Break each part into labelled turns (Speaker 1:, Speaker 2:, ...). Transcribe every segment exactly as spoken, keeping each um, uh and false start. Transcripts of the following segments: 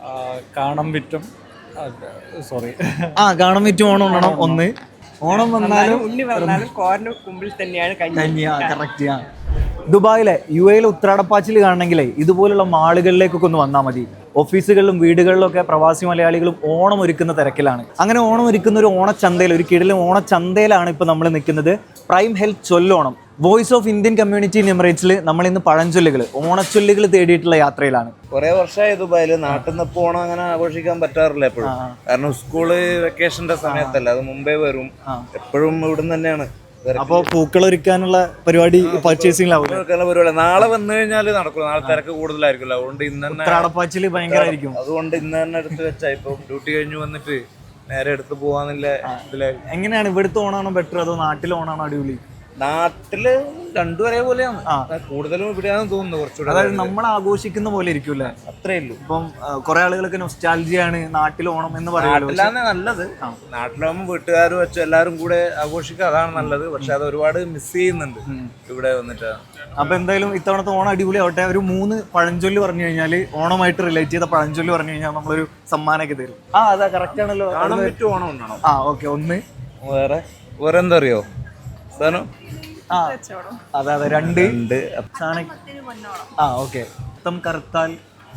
Speaker 1: കാണാൻ പറ്റും സോറി
Speaker 2: ആ കാണാൻ പറ്റും ഓണം ഉണ്ണണം ഒന്ന്. ഓണം വന്നാലും
Speaker 3: ഉണ്ണി വന്നാലും കോറിന് മുമ്പിൽ തന്നെയാണ് കഞ്ഞി.
Speaker 2: കറക്റ്റ്. ആ ദുബായിലെ യു എയിലെ ഉത്രാടപ്പാച്ചിൽ കാണണമെങ്കിലേ ഇതുപോലുള്ള മാളുകളിലേക്കൊക്കെ ഒന്ന് വന്നാൽ മതി. ഓഫീസുകളിലും വീടുകളിലും ഒക്കെ പ്രവാസി മലയാളികളും ഓണം ഒരുക്കുന്ന തിരക്കിലാണ്. അങ്ങനെ ഓണം ഒരുക്കുന്ന ഒരു ഓണച്ചന്തയിൽ, ഒരു കിടിലൻ ഓണച്ചന്തയിലാണ് ഇപ്പോൾ നമ്മൾ നിൽക്കുന്നത്. പ്രൈം ഹെൽത്ത് ചൊല്ലോണം, voice of Indian community in എമിറേറ്റ്സിൽ നമ്മൾ ഇന്ന് പഴഞ്ചൊല്ലുകൾ, ഓണച്ചൊല്ലുകൾ തേടിയിട്ടുള്ള യാത്രയിലാണ്.
Speaker 4: കുറെ വർഷമായി ദുബായില്. നാട്ടിൽ നിന്ന് ഇപ്പോൾ ഓണം അങ്ങനെ ആഘോഷിക്കാൻ പറ്റാറില്ല എപ്പോഴും, കാരണം സ്കൂള് വെക്കേഷന്റെ സമയത്തല്ല, അത് മുമ്പേ വരും. എപ്പോഴും ഇവിടുന്ന് തന്നെയാണ്.
Speaker 2: അപ്പോൾ പൂക്കൾ ഒരുക്കാനുള്ള പരിപാടി പർച്ചേസിംഗിലാവും.
Speaker 4: പരിപാടി നാളെ വന്നു കഴിഞ്ഞാൽ നടക്കില്ല, നാളെ തിരക്ക് കൂടുതലായിരിക്കുമല്ലോ. അതുകൊണ്ട് ഇന്ന് തന്നെ
Speaker 2: ഉത്രാടപ്പാച്ചിൽ ഭയങ്കരമായിരിക്കും.
Speaker 4: അതുകൊണ്ട് ഇന്ന് തന്നെ എടുത്ത് വെച്ചാ ഇപ്പൊ ഡ്യൂട്ടി കഴിഞ്ഞ് വന്നിട്ട് നേരെ എടുത്ത് പോവാന്നില്ല ഇതിലായിരുന്നു.
Speaker 2: എങ്ങനെയാണ് ഇവിടുത്തെ ഓണാണോ ബെറ്റർ അതോ നാട്ടിലെ ഓണാണോ അടിപൊളി?
Speaker 4: നാട്ടില് രണ്ടും ഒരേപോലെയാണ്, കൂടുതലും ഇവിടെയാണെന്ന് തോന്നുന്നു കുറച്ചുകൂടെ.
Speaker 2: അതായത് നമ്മൾ ആഘോഷിക്കുന്ന പോലെ ഇരിക്കൂല്ലേ?
Speaker 4: അത്രേ ഉള്ളൂ.
Speaker 2: ഇപ്പം കുറെ ആളുകളൊക്കെ നൊസ്റ്റാൾജിയാണ് നാട്ടിൽ ഓണം എന്ന് പറയുന്നത്.
Speaker 4: നാട്ടിലാണ് നല്ലത്. നാട്ടിലാവുമ്പോൾ വീട്ടുകാർ വെച്ച് എല്ലാവരും കൂടെ ആഘോഷിക്കുക, അതാണ് നല്ലത്. പക്ഷെ അത് ഒരുപാട് മിസ് ചെയ്യുന്നുണ്ട് ഇവിടെ വന്നിട്ട്.
Speaker 2: അപ്പൊ എന്തായാലും ഇത്തവണത്തെ ഓണം അടിപൊളി ആവട്ടെ. ഒരു മൂന്ന് പഴഞ്ചൊല്ല് പറഞ്ഞു കഴിഞ്ഞാൽ, ഓണമായിട്ട് റിലേറ്റ് ചെയ്ത പഴഞ്ചൊല്ല് പറഞ്ഞു കഴിഞ്ഞാൽ നമ്മളൊരു സമ്മാനമൊക്കെ തരും. ആ അതാ കറക്റ്റ് ആണല്ലോ.
Speaker 4: കാണാൻ പറ്റും ഓണം ഉണ്ടാണോ?
Speaker 2: ആ ഓക്കെ. ഒന്ന്
Speaker 4: വേറെ വേറെ എന്താ അറിയോ സാധനം?
Speaker 2: ആ അതെ അതെ. രണ്ട്
Speaker 4: ഉണ്ട്.
Speaker 2: ആ ഓക്കെ. അത്തം കറുത്താൽ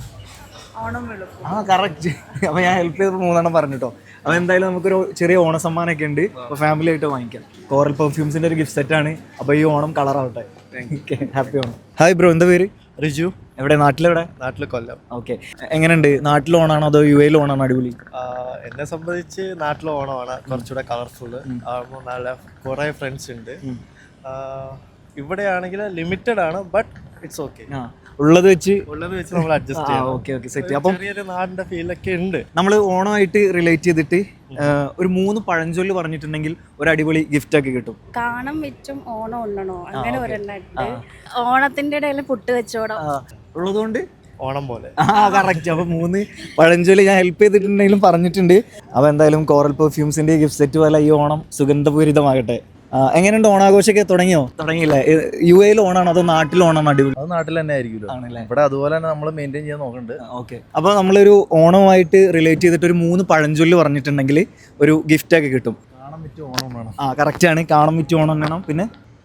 Speaker 2: ആ കറക്റ്റ്. അപ്പൊ ഞാൻ ഹെൽപ്പ് ചെയ്ത് മൂന്നെണ്ണം പറഞ്ഞിട്ടോ. അപ്പൊ എന്തായാലും നമുക്കൊരു ചെറിയ ഓണ സമ്മാനമൊക്കെ ഉണ്ട്, അപ്പൊ ഫാമിലി ആയിട്ട് വാങ്ങിക്കാം. കോറൽ പെർഫ്യൂംസിന്റെ ഒരു ഗിഫ്റ്റ് സെറ്റ് ആണ്. അപ്പൊ ഈ ഓണം കളറാവട്ടെ. ഹാപ്പി ഓണം. ഹായ് ബ്രോ, എന്താ പേര്?
Speaker 5: റിജു.
Speaker 2: എവിടെ? നാട്ടിലെവിടെ?
Speaker 5: നാട്ടിൽ കൊല്ലം.
Speaker 2: ഓക്കെ. എങ്ങനെയുണ്ട്? നാട്ടിൽ ഓണാണോ അതോ യു എയിൽ ഓണാണോ അടിപൊളി?
Speaker 5: എന്നെ സംബന്ധിച്ച് നാട്ടിലെ ഓണമാണ് കുറച്ചുകൂടെ കളർഫുള്ള്. ആകുമ്പോൾ നല്ല കുറേ ഫ്രണ്ട്സ് ഉണ്ട്. ഇവിടെയാണെങ്കിൽ ലിമിറ്റഡ് ആണ്, ബട്ട് ഇറ്റ്സ് ഓക്കെ.
Speaker 2: ഉള്ളത് വെച്ച്
Speaker 5: ഉള്ളത് വെച്ച് നമ്മൾ അഡ്ജസ്റ്റ് ചെയ്യാം.
Speaker 2: Okay okay set. അപ്പം
Speaker 5: ചെറിയൊരു നാടിന്റെ ഫീലൊക്കെ ഉണ്ട്.
Speaker 2: നമ്മൾ ഓണമായിട്ട് റിലേറ്റ് ചെയ്തിട്ട് ഒരു മൂന്ന് പഴഞ്ചൊല്ല് പറഞ്ഞിട്ടുണ്ടെങ്കിൽ ഒരു അടിപൊളി ഗിഫ്റ്റ് ഒക്കെ കിട്ടും.
Speaker 6: കാണം വെച്ചും ഓണം ഉണ്ണണോ, അങ്ങനെ ഒരെണ്ണുണ്ട്. ഓണത്തിന്റെ ഇടയിൽ പുട്ട് വെച്ചോടോ
Speaker 2: ഉള്ളതുകൊണ്ട്
Speaker 5: ഓണം പോലെ.
Speaker 2: ആ കറക്റ്റ്. അപ്പൊ മൂന്ന് പഴഞ്ചൊല്ല് ഞാൻ ഹെൽപ്പ് ചെയ്തിട്ടുണ്ടെങ്കിലും പറഞ്ഞിട്ടുണ്ട്. അപ്പൊ എന്തായാലും കോറൽ പെർഫ്യൂംസിന്റെ ഗിഫ്റ്റ് സെറ്റ് പോലെ ഈ ഓണം സുഗന്ധപൂരിതമാകട്ടെ. എങ്ങനെയുണ്ട്? ഓണാഘോഷമൊക്കെ തുടങ്ങിയോ? തുടങ്ങിയില്ലേ? യു എയിൽ ഓണാണോ അതോ നാട്ടിൽ ഓണാണോ അടിപൊളി?
Speaker 4: അത് നാട്ടിൽ തന്നെ ആയിരിക്കുമല്ലോ.
Speaker 2: ആണല്ലേ?
Speaker 4: ഇവിടെ അതുപോലെ തന്നെ നമ്മൾ മെയിൻറ്റെയിൻ ചെയ്യാൻ നോക്കുന്നുണ്ട്.
Speaker 2: ഓക്കെ. അപ്പോൾ നമ്മളൊരു ഓണവുമായിട്ട് റിലേറ്റ് ചെയ്തിട്ട് ഒരു മൂന്ന് പഴഞ്ചൊല്ല് പറഞ്ഞിട്ടുണ്ടെങ്കിൽ ഒരു ഗിഫ്റ്റ് ഒക്കെ കിട്ടും.
Speaker 4: കാണാൻ പറ്റിയ ഓണം വേണം.
Speaker 2: ആ കറക്റ്റ് ആണ്. കാണാൻ പറ്റിയ ഓണം വേണം. പിന്നെ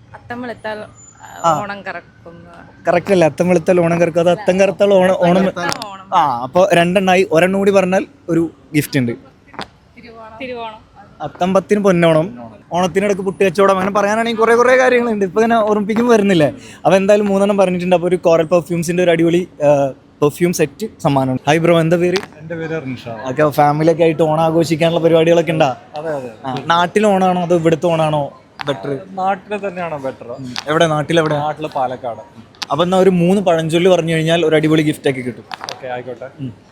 Speaker 6: ഓണം കറക്കും.
Speaker 2: കറക്റ്റ് അല്ലേ? അത്തം വെളുത്താൽ ഓണം കറക്കും. അത് അത്തം കറുത്താൽ ഓണം ഓണം ആ അപ്പോൾ രണ്ടെണ്ണായി. ഒരെണ്ണം കൂടി പറഞ്ഞാൽ ഒരു ഗിഫ്റ്റ് ഉണ്ട്. അത്തം പത്തിന് പൊന്നോണം, ഓണത്തിനിടക്ക് പുട്ട് കച്ചവടം, അങ്ങനെ പറയാനാണെങ്കിൽ കുറേ കുറേ കാര്യങ്ങളുണ്ട്. ഇപ്പോൾ ഇങ്ങനെ ഓർമ്മിപ്പിക്കുമ്പോൾ വരുന്നില്ലേ? അപ്പോൾ എന്തായാലും മൂന്നെണ്ണം പറഞ്ഞിട്ടുണ്ട്. അപ്പോൾ ഒരു കോറൽ പെർഫ്യൂംസിൻ്റെ ഒരു അടിപൊളി പെർഫ്യൂം സെറ്റ് സമ്മാനം. ഹായ് ബ്രോ, എന്താ പേര്?
Speaker 1: എൻ്റെ പേര് റിൻഷാ.
Speaker 2: ഒക്കെ ഫാമിലിയൊക്കെ ആയിട്ട് ഓണം ആഘോഷിക്കാനുള്ള പരിപാടികളൊക്കെ ഉണ്ടാ?
Speaker 1: അതെ അതെ.
Speaker 2: നാട്ടിൽ ഓണാണോ അതോ ഇവിടുത്തെ ഓണാണോ ബെറ്റർ?
Speaker 1: നാട്ടിൽ തന്നെയാണോ ബെറ്റർ?
Speaker 2: എവിടെ? നാട്ടിലെവിടെ?
Speaker 1: നാട്ടിൽ പാലക്കാട്.
Speaker 2: അപ്പം എന്നാൽ ഒരു മൂന്ന് പഴഞ്ചൊല്ല് പറഞ്ഞു കഴിഞ്ഞാൽ ഒരു അടിപൊളി ഗിഫ്റ്റ് ഒക്കെ കിട്ടും.
Speaker 1: ഓക്കെ ആയിക്കോട്ടെ.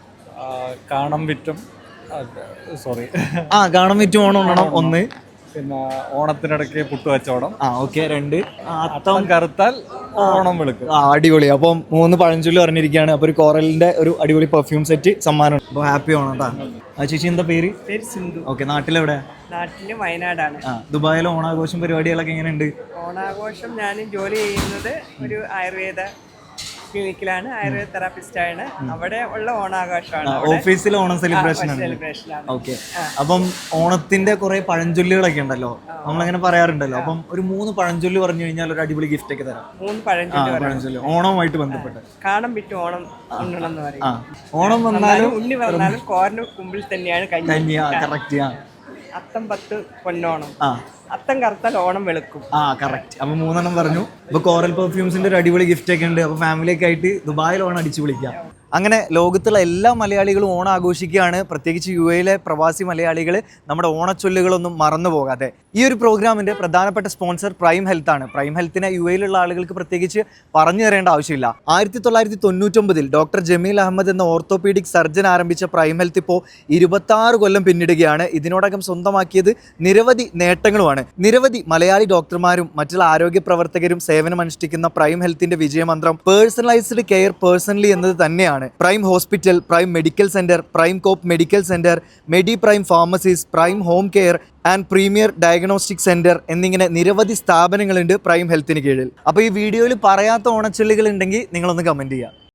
Speaker 1: കാണാൻ പറ്റും സോറി
Speaker 2: ആ കാണാൻ പറ്റും ഓണം ഉണ്ണണം ഒന്ന്.
Speaker 1: പിന്നെ ഓണത്തിനിടയ്ക്ക് പുട്ട് കച്ചവടം.
Speaker 2: ആ ഓക്കെ. രണ്ട്
Speaker 1: അത്തം കറുത്താൽ ഓണം വെളുക്കും.
Speaker 2: ആ അടിപൊളി. അപ്പം മൂന്ന് പഴഞ്ചൊല്ല് പറഞ്ഞിരിക്കുകയാണ്. അപ്പോൾ ഒരു കോറലിന്റെ ഒരു അടിപൊളി പെർഫ്യൂം സെറ്റ് സമ്മാനം. അപ്പോൾ ഹാപ്പി ഓണം കേട്ടോ. ആ ചേച്ചി എന്താ പേര്?
Speaker 3: പേര് സിന്ധു.
Speaker 2: ഓക്കെ. നാട്ടിലെവിടെ?
Speaker 3: നാട്ടില് വയനാടാണ്.
Speaker 2: ആ ദുബായിലെ ഓണാഘോഷം പരിപാടികളൊക്കെ എങ്ങനെയുണ്ട്?
Speaker 3: ഓണാഘോഷം ഞാൻ ജോലി ചെയ്യുന്നത് ഒരു ആയുർവേദ ക്ലിനിക്കിലാണ്, ആയുർവേദ തെറാപ്പിസ്റ്റാണ്. അവിടെ ഉള്ള ഓണാഘോഷമാണ്.
Speaker 2: ഓഫീസിലെ ഓണം സെലിബ്രേഷൻ ആണ്.
Speaker 3: സെലിബ്രേഷനാണ്.
Speaker 2: ഓക്കെ. അപ്പം ഓണത്തിന്റെ കുറെ പഴഞ്ചൊല്ലുകളൊക്കെ ഉണ്ടല്ലോ, നമ്മളങ്ങനെ പറയാറുണ്ടല്ലോ. അപ്പം ഒരു മൂന്ന് പഴഞ്ചൊല്ല് പറഞ്ഞു കഴിഞ്ഞാൽ ഒരു അടിപൊളി ഗിഫ്റ്റ് ഒക്കെ തരാം.
Speaker 3: മൂന്ന് പഴഞ്ചൊല്ല്
Speaker 2: പഴഞ്ചൊല്ല് ഓണവുമായിട്ട് ബന്ധപ്പെട്ട്.
Speaker 3: കാണാൻ പറ്റും ഓണം ഉണ്ണണം എന്ന് പറയും.
Speaker 2: ഓണം വന്നാലും
Speaker 3: ഉണ്ണി വന്നാലും കോറിന് മുമ്പിൽ തന്നെയാണ് കഞ്ഞി.
Speaker 2: കറക്റ്റ്.
Speaker 3: അത്തം പത്ത് പൊന്നോണം, അത്തം കറുത്താൽ ഓണം വെളുക്കും.
Speaker 2: ആ കറക്റ്റ്. അപ്പൊ മൂന്നെണ്ണം പറഞ്ഞു. ഇപ്പൊ കോറൽ പെർഫ്യൂംസിന്റെ ഒരു അടിപൊളി ഗിഫ്റ്റ് ഒക്കെ ഉണ്ട്. അപ്പൊ ഫാമിലിയൊക്കെ ആയിട്ട് ദുബായിൽ ഓണം അടിച്ചു വിളിക്കാം. അങ്ങനെ ലോകത്തുള്ള എല്ലാ മലയാളികളും ഓണം ആഘോഷിക്കുകയാണ്. പ്രത്യേകിച്ച് യു എയിലെ പ്രവാസി മലയാളികൾ നമ്മുടെ ഓണച്ചൊല്ലുകളൊന്നും മറന്നു പോകാതെ. ഈ ഒരു പ്രോഗ്രാമിന്റെ പ്രധാനപ്പെട്ട സ്പോൺസർ പ്രൈം ഹെൽത്ത് ആണ്. പ്രൈം ഹെൽത്തിനെ യു എയിലുള്ള ആളുകൾക്ക് പ്രത്യേകിച്ച് പറഞ്ഞു തരേണ്ട ആവശ്യമില്ല. ആയിരത്തി തൊള്ളായിരത്തി തൊണ്ണൂറ്റൊമ്പതിൽ ഡോക്ടർ ജമീൽ അഹമ്മദ് എന്ന ഓർത്തോപീഡിക് സർജൻ ആരംഭിച്ച പ്രൈം ഹെൽത്ത് ഇപ്പോൾ ഇരുപത്തി ആറ് കൊല്ലം പിന്നിടുകയാണ്. ഇതിനോടകം സ്വന്തമാക്കിയത് നിരവധി നേട്ടങ്ങളുമാണ്. നിരവധി മലയാളി ഡോക്ടർമാരും മറ്റുള്ള ആരോഗ്യ പ്രവർത്തകരും സേവനമനുഷ്ഠിക്കുന്ന പ്രൈം ഹെൽത്തിന്റെ വിജയമന്ത്രം പേഴ്സണലൈസ്ഡ് കെയർ പേഴ്സണലി എന്നത് തന്നെയാണ്. Prime hospital, Prime medical centre, Prime co-op medical centre, Medi Prime pharmacies, Prime home care and premier diagnostic centre എന്നിങ്ങനെ നിരവധി സ്ഥാപനങ്ങളുണ്ട് പ്രൈം ഹെൽത്തിന് കീഴിൽ. അപ്പോൾ ഈ വീഡിയോയിൽ പറയാത്ത ഓണച്ചൊല്ലുകൾ ഉണ്ടെങ്കിൽ നിങ്ങളൊന്ന് കമന്റ് ചെയ്യുക.